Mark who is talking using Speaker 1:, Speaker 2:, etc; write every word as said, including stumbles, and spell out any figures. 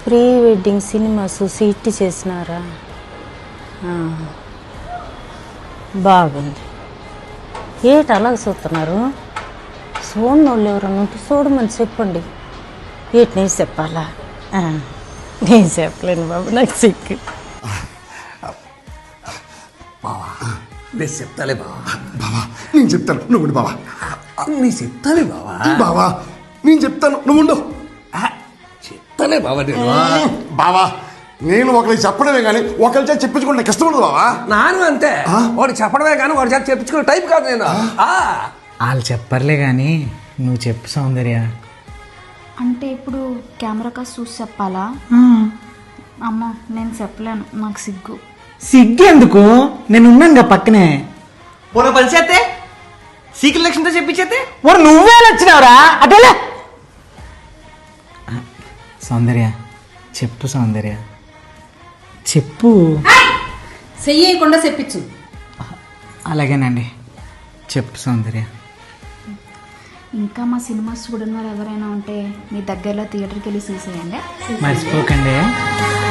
Speaker 1: Pre wedding cinemas seat చేసినారా? బాగుంది. ఏటి అలాగ చూస్తున్నారు? చూడని వాళ్ళు ఎవరన్నా ఉంటే చూడమని చెప్పండి. ఏటి నేను చెప్పాలా? నేను చెప్పలేను బాబు, నాకు సిక్కు.
Speaker 2: బావా నేను చెప్తాలే బావా.
Speaker 3: బావా నేను చెప్తాను, నువ్వు ఉండు. బావా
Speaker 2: నీ చెప్తాలే బావా.
Speaker 3: బావా నేను చెప్తాను, నువ్వు ఉండు.
Speaker 2: చెప్తాలే బావా నేను.
Speaker 3: బావా నేను ఒకరికి చెప్పడమే కానీ ఒకరి చేత చెప్పించుకుంటే నాకు ఇష్టం ఉండదు బావా.
Speaker 2: నాను అంతే, వాడు చెప్పడమే కానీ వాడి చేత చెప్పించుకునే టైప్ కాదు నేను.
Speaker 4: వాళ్ళు చెప్పర్లే కానీ నువ్వు చెప్పు సౌందర్య.
Speaker 5: అంటే ఇప్పుడు కెమెరా కాస్ట్ చూసి చెప్పాలా? అమ్మో నేను చెప్పలేను, నాకు సిగ్గు.
Speaker 4: సిగ్గెందుకు, నేను ఉన్నానుగా పక్కనే.
Speaker 6: పోన పని చేస్తే సీక్రెట్ లక్ష్యంతో చెప్పించేస్తే
Speaker 4: వాడు నువ్వే వచ్చినావురా అటేలే. సౌందర్య చెప్పు, సౌందర్య చెప్పు.
Speaker 7: చెయ్యకుండా చెప్పించు.
Speaker 4: అలాగేనండి, చెప్పు సౌందర్య.
Speaker 5: ఇంకా మా సినిమాస్ చూడని వారు ఎవరైనా ఉంటే మీ దగ్గరలో థియేటర్కి వెళ్ళి చూసేయండి.
Speaker 4: మర్చిపోకండి.